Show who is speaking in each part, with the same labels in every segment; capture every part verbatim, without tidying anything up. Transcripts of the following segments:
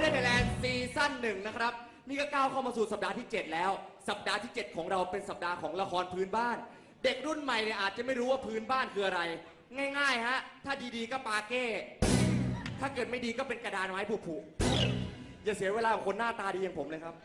Speaker 1: Wonder Thailand ซีซั่นหนึ่งนะครับนี่ก็ก้าวเข้ามาสู่สัปดาห์ที่เจ็ดแล้วสัปดาห์ที่เจ็ดของเราเป็นสัปดาห์ของละครพื้นบ้านเด็กรุ่นใหม่เนี่ยอาจจะไม่รู้ว่าพื้นบ้านคืออะไรง่ายๆฮะถ้าดีๆก็ปาเก้ถ้าเกิดไม่ดีก็เป็นกระดานไม้ผุๆอย่าเสียเวลากับคนหน้าตาดีอย่างผมเลยครับ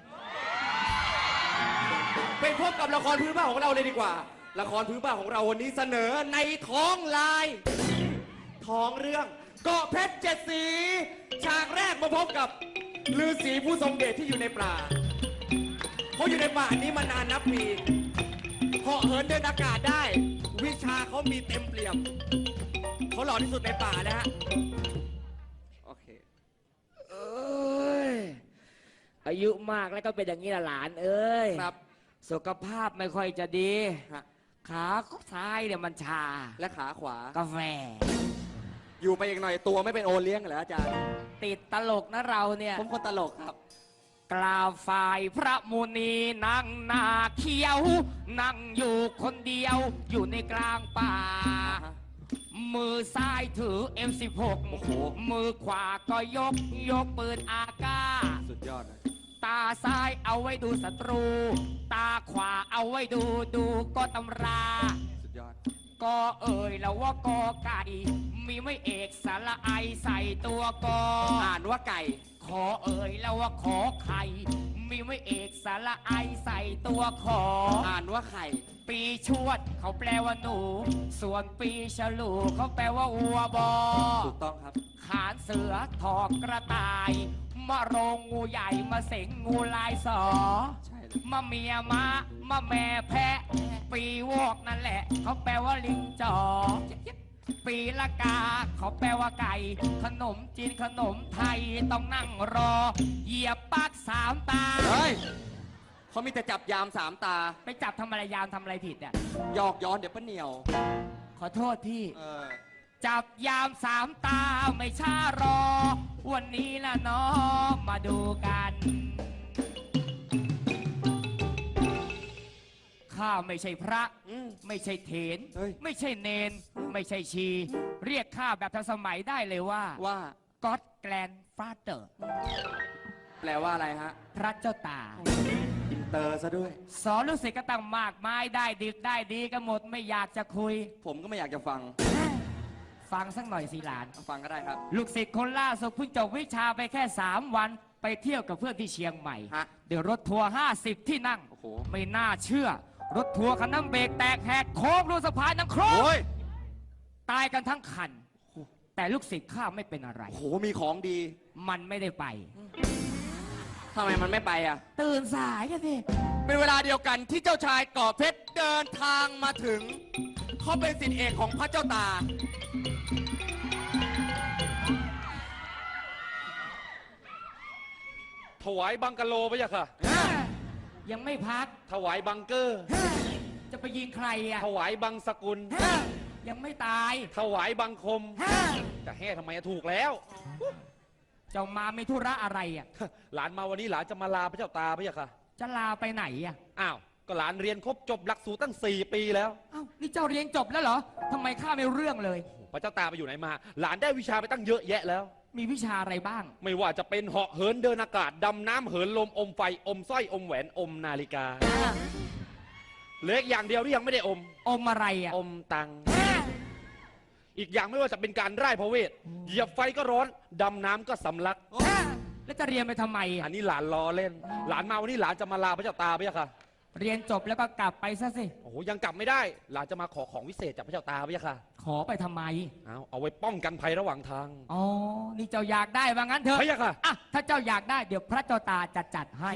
Speaker 1: ไปพบกับละครพื้นบ้านของเราเลยดีกว่าละครพื้นบ้านของเราวันนี้เสนอในท้องลายท้องเรื่องเกาะเพชรเจ็ดสีฉากแรกมาพบกับฤาษีผู้ทรงเดชที่อยู่ในป่าเขาอยู่ในป่านี้มานานนับปีเหาะเหินเดินอากาศได้วิชาเขามีเต็มเปี่ยมเขาหล่อที่สุดในป่านะฮะโอเค
Speaker 2: เอ้ยอายุมากแล้วก็เป็นอย่างนี้ละหลานเอ้ย
Speaker 1: ครับ
Speaker 2: สุขภาพไม่ค่อยจะดีขาซ้ายเนี่ยมันชา
Speaker 1: และขาขวาก
Speaker 2: าแฟ
Speaker 1: อยู่ไปอีกหน่อยตัวไม่เป็นโอเลี้ยงเหรออาจารย์
Speaker 2: ติดตลกนะเราเนี่ย
Speaker 1: ผมคนตลกครับ
Speaker 2: กล่าวฝ่ายพระมุนีนั่งหน้าเขียวนั่งอยู่คนเดียวอยู่ในกลางป่ามือซ้ายถือ เอ็ม สิบหก
Speaker 1: โอ้โห
Speaker 2: มือขวาก็ยกยกปืนอากา
Speaker 1: สุดยอดเลย
Speaker 2: ตาซ้ายเอาไว้ดูศัตรูตาขวาเอาไว้ดูดูก็ตำรา
Speaker 1: สุดยอด
Speaker 2: ก็เอ่ยแล้วว่ากอไก่มีไม่เอกสระไอใส่ตัวกอ
Speaker 1: อ่านว่าไก่
Speaker 2: ขอเอ่ยแล้วว่าขอไข่มีไม่เอกสระไอใส่ตัวขอ
Speaker 1: อ่านว่าไข่
Speaker 2: ปีชวดเขาแปลว่าหนูส่วนปีฉลูเขาแปลว่าวัวบอ
Speaker 1: ถูกต้องครับ
Speaker 2: ขานเสือถอกกระต่ายมะโรงงูใหญ่มาเสงงูลายสอ
Speaker 1: ใช่
Speaker 2: มะเมียมะมะแม่แพะปีวอกนั่นแหละเขาแปลว่าลิงจอปีละกาเขาแปลว่าไก่ขนมจีนขนมไทยต้องนั่งรอเหยียบปากสามตา
Speaker 1: เฮ้ยเขามีแต่จับยามสามตา
Speaker 2: ไปจับทำอะไรยามทำอะไรผิดอ่ะ
Speaker 1: หยอกย้อนเดี๋ยวป้าเหนียว
Speaker 2: ขอโทษพี่
Speaker 1: เออ
Speaker 2: จับยามสามตาไม่ช้ารอวันนี้ละเนาะมาดูกันข้าไม่ใช่พระไม่ใช่เถรไม่ใช่เนนไม่ใช่ชีเรียกข้าแบบทันสมัยได้เลยว่า
Speaker 1: ว่า
Speaker 2: God Grandfather
Speaker 1: แปลว่าอะไรฮะ
Speaker 2: พระเจ้าตา
Speaker 1: อินเตอร์ซะด้วย
Speaker 2: สอนลูกศิษย์ก็ตั้งมากมายได้ดึกได้ดีกันหมดไม่อยากจะคุย
Speaker 1: ผมก็ไม่อยากจะฟัง
Speaker 2: ฟังสักหน่อยสิหลาน
Speaker 1: ฟังก็ได้ครับ
Speaker 2: ลูกศิษย์คนล่าสุดเพิ่งจบวิชาไปแค่สามวันไปเที่ยวกับเพื่อนที่เชียงใหม่เดี๋ยวรถทัวร์ห้าสิบที่นั่งไม่น่าเชื่อรถทัวร์คันนั้นเบรกแตกแหกโค้งรูสะพานนังโครมตายกันทั้งคันแต่ลูกศิษย์ข้าไม่เป็นอะไร
Speaker 1: โอ้โหมีของดี
Speaker 2: มันไม่ได้ไป
Speaker 1: ทำไมมันไม่ไปอ่ะ
Speaker 2: ตื่นสายกันสิ
Speaker 1: เป็นเวลาเดียวกันที่เจ้าชายเกาะเพชรเดินทางมาถึงเขาเป็นศิษย์เอกของพระเจ้าตา
Speaker 3: ถวายบังกะโลพะยะค่ะ
Speaker 2: ยังไม่พัก
Speaker 3: ถวายบังเกอร์
Speaker 2: จะไปยิงใครอ่ะ
Speaker 3: ถวายบังสกุล
Speaker 2: ยังไม่ตาย
Speaker 3: ถวายบังคมจะแห่ทำไมถูกแล้ว
Speaker 2: เจ้ามามีธุระอะไรอ่ะ
Speaker 3: หลานมาวันนี้หลานจะมาลาพระเจ้าตาพะยะค่ะ
Speaker 2: จะลาไปไหนอ่ะ
Speaker 3: อ้าวก็หลานเรียนครบจบหลักสูตรตั้งสี่ปีแล้ว
Speaker 2: อ้าวนี่เจ้าเรียนจบแล้วเหรอทำไมข้าไม่รู้เรื่องเลย
Speaker 3: พระเจ้าตาไปอยู่ไหนมาหลานได้วิชาไปตั้งเยอะแยะแล้ว
Speaker 2: มีวิชาอะไรบ้าง
Speaker 3: ไม่ว่าจะเป็นเหาะเหินเดินอากาศดำน้ำเหินลมอมไฟอมสร้อยอมแหวนอมนาฬิกาเหลืออย่างเดียวที่ยังไม่ได้อม
Speaker 2: อมอะไรอ่ะ
Speaker 3: อมตังอีกอย่างไม่ว่าจะเป็นการไร้พระเวทเหยียบไฟก็ร้อนดำน้ำก็สำลัก
Speaker 2: แล้วจะเรียนไปทำไม
Speaker 3: อันนี้หลานล้อเล่นหลานมาวันนี้หลานจะมาลาพระเจ้าตาพะยะค่ะ
Speaker 2: เรียนจบแล้วก็กลับไปซะสิ
Speaker 3: โอ้โหยังกลับไม่ได้หลานจะมาขอของวิเศษจากพระเจ้าตาพะยะค่ะ
Speaker 2: ขอไปทำไม
Speaker 3: เอาเอาไว้ป้องกันภัยระหว่างทาง
Speaker 2: อ๋อนี่เจ้าอยากได้ว่างั้นเถอะ
Speaker 3: พะยะค่ะ
Speaker 2: อ่ะถ้าเจ้าอยากได้เดี๋ยวพระเจ้าตาจะจัดให้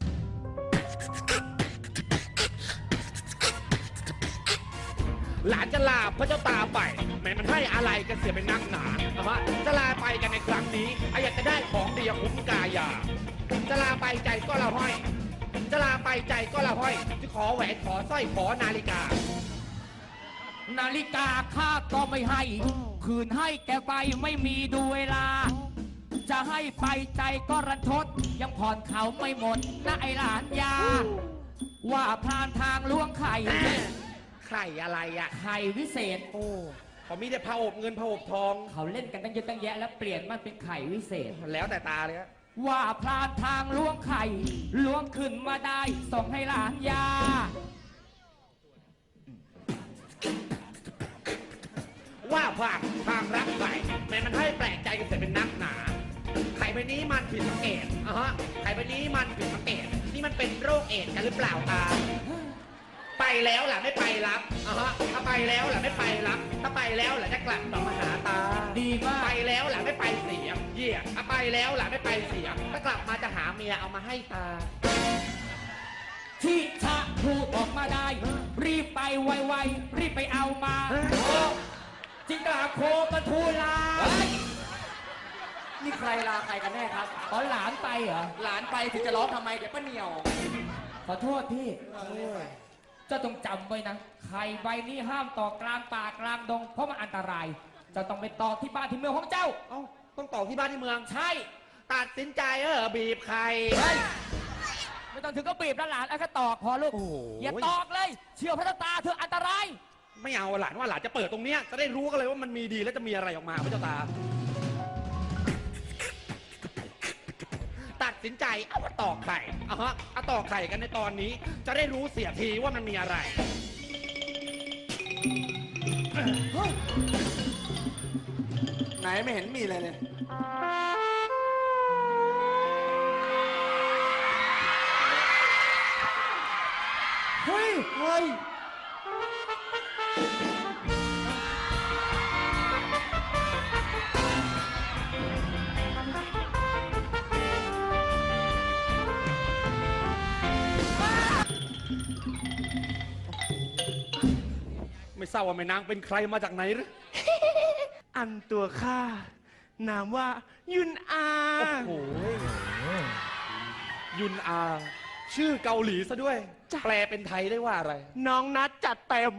Speaker 3: หลานจะลาพระเจ้าตาไปแม้มันให้อะไรกันเสียเป็นนักหนานะฮะจะลาไปกันในครั้งนี้อยากจะได้ของดีคุ้มกายาจะลาไปใจก็ละห้อยจะลาไปใจก็ละห้อยจะขอแหวนขอสร้อยขอนาฬิกา
Speaker 2: นาฬิกาข้าก็ไม่ให้คืนให้แกไปไม่มีดูเวลาจะให้ไปใจก็รันทดยังผ่อนเขาไม่หมดนะไอหลานยาว่าพานทางล้วงไข่
Speaker 3: ไข่อะไรอ่ะ
Speaker 2: ไข่วิเศษ
Speaker 3: โอ้เขามีแต่ผ้าอบเงินผ้าอบทอง
Speaker 2: เขาเล่นกันตั้งเยอะตั้งแยะแล้วเปลี่ยนมันเป็นไข่วิเศษ
Speaker 3: แล้วแต่ตาเลยฮะ
Speaker 2: ว่าพลานทางล้วงไข่ล้วงขึ้นมาได้ส่งให้หลานยา
Speaker 3: ว่าผ่านทางรักไข่แม้มันให้แปลกใจกันเสียเป็นนักหนาไข่ใบนี้มันผิดสังเกตอ่ะฮะไข่ใบนี้มันผิดสังเกตนี่มันเป็นโรคเอดส์กันหรือเปล่าตาไปแล้วล่ะไม่ไปรับอ่ะฮะถ้าไปแล้วล่ะไม่ไปรับถ้าไปแล้วล่ะจะกลับต่อมาหาตา
Speaker 2: ดีมาก
Speaker 3: ไปแล้วล่ะไม่ไปเสียเยี่ยถ้าไปแล้วล่ะไม่ไปเสียถ้ากลับมาจะหาเมียเอามาให้ตา
Speaker 2: ที่ชะพูดออกมาได้ รีบไปไวๆรีบไปเอามาจิงกาโคกระทูลา
Speaker 1: นี่ใครลาใครกันแน่ครับ
Speaker 2: ตอนหลานไปเหรอ
Speaker 1: หลานไปถึงจะร้องทำไมเดี๋ยวป้าเหนียว
Speaker 2: ขอโทษพี่เจ้าต้องจำไว้นะไข่ใบนี้ห้ามต่อกลางป่ากลางดงเพราะมันอันตรายเจ้าต้องไปต่อที่บ้านที่เมืองของเจ้า
Speaker 3: เอ้าต้องต่อที่บ้านที่เมือง
Speaker 2: ใช่
Speaker 3: ตัดสินใจเออบีบไข่
Speaker 2: ไม่ต้องถึงก็บีบนะหลานเอาแค่ตอกพอลูก
Speaker 3: โอ้โห
Speaker 2: อย่าตอกเลย เชื่อพระตาเธออันตราย
Speaker 3: ไม่เอาหลานว่าหลานจะเปิดตรงเนี้ยจะได้รู้กันเลยว่ามันมีดีแล้วจะมีอะไรออกมาพระเจ้าตา ตัดสินใจเอามาตอกไข่อ่ะฮะเอาตอกไข่กันในตอนนี้ จะได้รู้เสียทีว่ามันมีอะไร
Speaker 1: ไหนไม่เห็นมีอะไรเลย
Speaker 2: เฮ้ย
Speaker 1: เฮ้ย
Speaker 3: ไม่ทราบว่าแม่นางเป็นใครมาจากไหนหรือ
Speaker 4: อันตัวข้า นามว่ายุนอา
Speaker 3: โอ้โหยุนอา ชื่อเกาหลีซะด้วย แปลเป็นไทยได้ว่าอะไร
Speaker 4: น้องนัดจัดเต็ม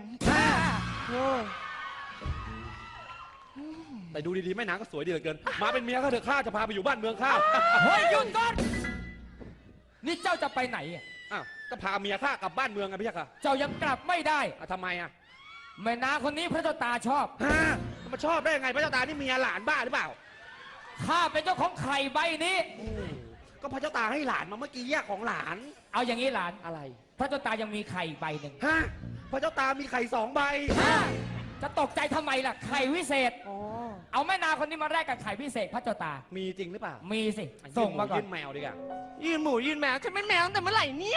Speaker 3: แต่ดูดีๆแม่นางก็สวยดีเหลือเกิน มาเป็นเมียข้าเถอะข้าจะพาไปอยู่บ้านเมืองข้า
Speaker 2: เฮ้ยหยุดก่อนนี่เจ้าจะไปไหนอะ
Speaker 3: อ้าวก็พาเมียข้ากลับบ้านเมืองไงพี่ยักษ์อะ
Speaker 2: เจ้ายังกลับไม่ได้
Speaker 3: อ่ะทำไมอะ
Speaker 2: แม่นางคนนี้พระเจ้าตาชอบ
Speaker 3: ฮะมาชอบได้ยังไงพระเจ้าตานี่เมียหลานบ้าหรือเปล่า
Speaker 2: ข้าเป็นเจ้าของไข่ใบนี้
Speaker 3: ก็พระเจ้าตาให้หลานมาเมื่อกี้แยกของหลาน
Speaker 2: เอาอย่างนี้หลาน
Speaker 3: อะไร
Speaker 2: พระเจ้าตายังมีไข่อีกใบหนึ่ง
Speaker 3: ฮะพระเจ้าตามีไข่สองใบ
Speaker 2: จะตกใจทำไมล่ะ ไข่วิเศษ เอาแม่นางคนนี้มาแลกกับไข่วิเศษพระเจ้าตา
Speaker 3: มีจริงหรือเปล่า
Speaker 2: มีสิ ส่งมาก่อน
Speaker 3: ยื่นแมวดีกว่า
Speaker 4: ยืนหมูยืนแมวฉันเป็นแมวตั้งแต่เมื่อไหร่เนี่ย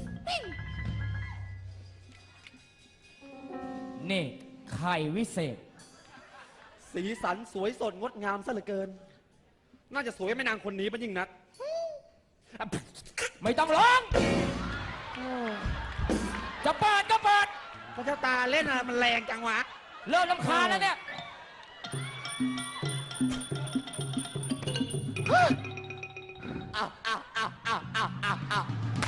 Speaker 2: นี่ ไข่วิเศษ
Speaker 3: สีสันสวยสดงดงามซะเหลือเกิน น่าจะสวยแม่นางคนนี้เป็นยิ่งนักอ่ะ
Speaker 2: ไม่ต้องร้อง จะเปิดก็เปิด
Speaker 3: พระเจ้าตาเล่นอะไรมันแรงจังวะ
Speaker 2: เริ่มลำคาญแล้วเนี่ย
Speaker 1: อ้าวอ้าวอ้าวอ้าวอ้าวอ้าวอ้าว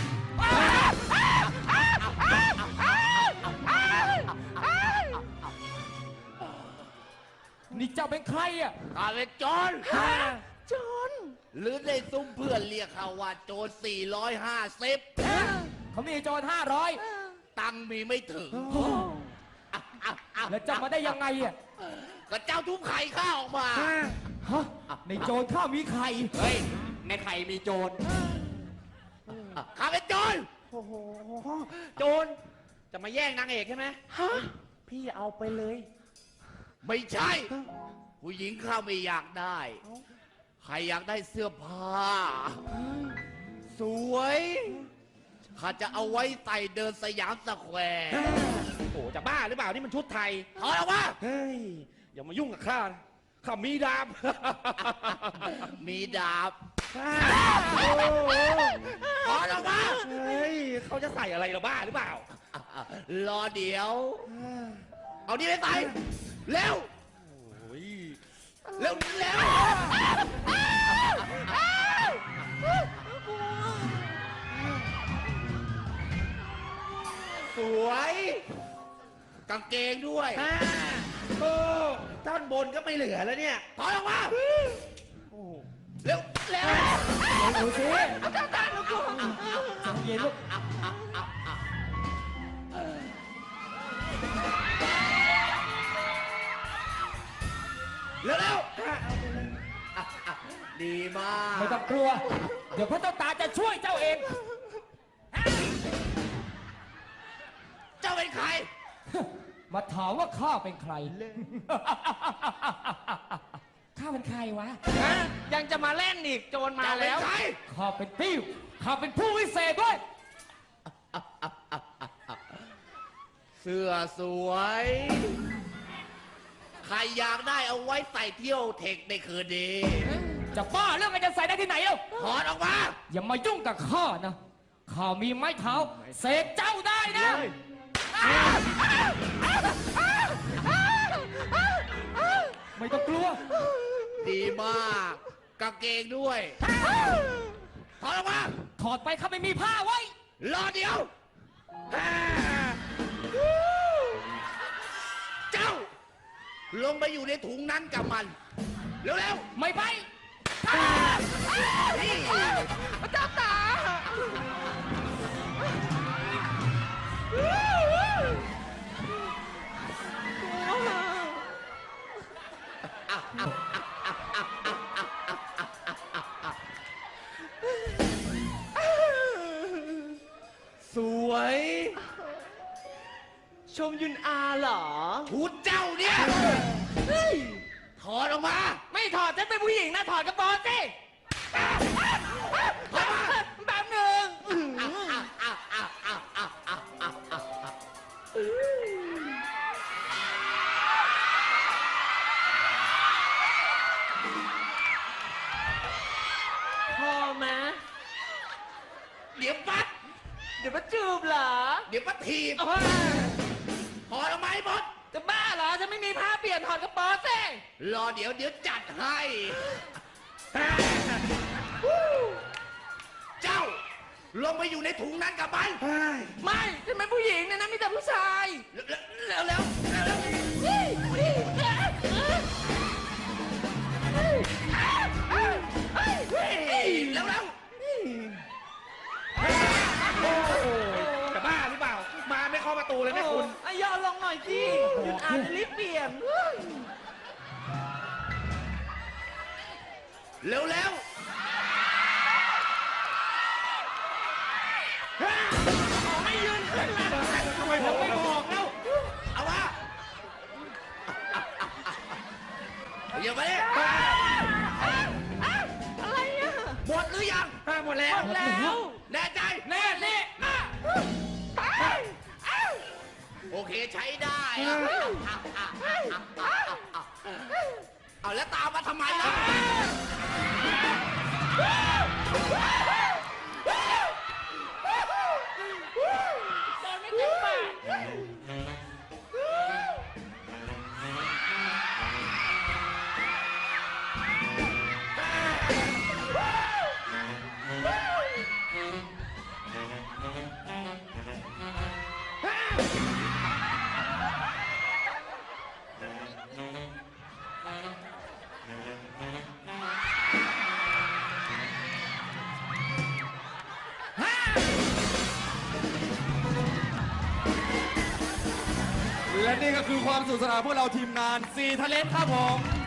Speaker 2: นี่เจ้าเป็นใครอ่ะ
Speaker 1: ข้าเป็นโจรโจรหรือในซุ้มเพื่อนเรียกเขาว่าโจรสี่ร้อยห้าสิบ
Speaker 2: เขามีโจรห้าร้อย
Speaker 1: ตังค์มีไม่ถึงอ้าวอ้าวอ้าว
Speaker 2: แล้วจะมาได้ยังไงอ่ะ
Speaker 1: ก็เจ้าทุบไข่ข้าออกมา
Speaker 2: ฮะ ในโจรข้ามีไข่
Speaker 1: เฮ้ย ในไข่มีโจรข้าเป็นโจร
Speaker 3: โอ้โห โจร จะมาแย่งนางเอกใช่ไหม
Speaker 4: ฮะ พี่เอาไปเลย
Speaker 1: ไม่ใช่ ผู้หญิงข้าไม่อยากได้ ใครอยากได้เสื้อผ้า สวยข้าจะเอาไว้ใส่เดินสยามสแควร์
Speaker 3: โอ้จะบ้าหรือเปล่า นี่มันชุดไทย
Speaker 1: ถอดออกมา
Speaker 3: เฮ้ย อย่ามายุ่งกับข้านะข้ามีดาบ
Speaker 1: มีดาบ
Speaker 3: โอ้โห
Speaker 1: ถอดออกมา
Speaker 3: เฮ้ยเขาจะใส่อะไรเราบ้าหรือเปล่า
Speaker 1: รอเดี๋ยว เอานี่ไปใส่ เร็ว
Speaker 3: โอ้ย
Speaker 1: เร็วเร็ว
Speaker 3: สวย
Speaker 1: กางเกงด้วย
Speaker 3: อ่าโอ้ท่อนบนก็ไม่เหลือแล้วเนี่ย
Speaker 1: ถอยออกมา
Speaker 3: โอ้
Speaker 1: เร็วเร็ว
Speaker 2: ดูสิใจเย็นลูก
Speaker 1: เร็วเร็ว
Speaker 3: ดีมาก
Speaker 2: ไม่ต้องกลัว เดี๋ยวพระเจ้าตาจะช่วยเจ้าเอง
Speaker 3: เจ้าเป็นใคร
Speaker 2: มาถามว่าข้าเป็นใคร ข้าเป็นใครวะ
Speaker 4: ฮะยังจะมาเล่นอีกโจรมา
Speaker 3: เจ้าเป็น
Speaker 4: แล้ว
Speaker 3: ใคร
Speaker 2: ข้าเป็นติ้วข้าเป็นผู้วิเศษด้วย
Speaker 3: เสื้อสวย ใครอยากได้เอาไว้ใส่เที่ยวเทคในคืนนี้
Speaker 2: จะบ้าเรื่องอะไรจะใส่ได้ที่ไหนเล่า
Speaker 3: ถอดออกมา
Speaker 2: อย่ามายุ่งกับข้านะ ข้ามีไม้เท้าเสกเจ้าได้นะ ไม่ต้องกลัว
Speaker 3: ดีมากกางเกงด้วย ถอดออกมา
Speaker 2: ถอดไปข้าไม่มีผ้าไว้
Speaker 3: รอเดียว เจ้า ลงไปอยู่ในถุงนั้นกับมัน เร็ว
Speaker 2: ไม่ไป
Speaker 3: ๆนี่
Speaker 4: เจ้าตา
Speaker 1: สวย
Speaker 4: ชมยุนอาเหรอ
Speaker 3: ชุดเจ้าเนี่ยถอดออกมา
Speaker 4: ไม่ถอดฉันเป็นผู้หญิงนะ ถอดกระโปรงสิแบบหนึ่งพอไหม
Speaker 3: เดี๋ยวปัด
Speaker 4: เดี๋ยวมาจูบเหรอ
Speaker 3: เดี๋ยวปัดถีบ
Speaker 4: โอ้ย
Speaker 3: ถอดออกมาให้หมด
Speaker 4: จะบ้าเหรอ ฉันไม่มีผ้าเปลี่ยนถอดกระโปรงสิ
Speaker 3: รอเดี๋ยวเดี๋ยวจัดให้ เจ้า ลงไปอยู่ในถุงนั้นกับมัน
Speaker 4: ไม่ฉันเป็นผู้หญิงเนยนะมีแต่ผู้ชาย
Speaker 3: เร็วเร็วเร็วเร็วเร็วเร็วเร็วจะบ้าหรือเปล่า มาไม่เข้าประตูเลยนะคุณ
Speaker 4: ไอ้ยอลงหน่อยสิหยุดอ่านจะรีบเปลี่ยน
Speaker 3: เร็วเร็ว
Speaker 4: ไม่ยืนขึ้นมา
Speaker 1: ทำไมผมไม่บอกแล้ว
Speaker 3: เอามาอย่าไปเลย
Speaker 4: อะไรอ่ะ
Speaker 3: หมดหรือยัง
Speaker 1: หมดแล้ว
Speaker 4: หมดแล้ว
Speaker 3: แน่ใจ
Speaker 1: แน่นี่
Speaker 3: โอเคใช้ได้อะเอาแล้วตามมาทำไมล่ะ
Speaker 4: ตอนไม่เต็มปาก
Speaker 1: และนี่ก็คือความสนุขสนานพวกเราทีมงานซีทะเลนครับผม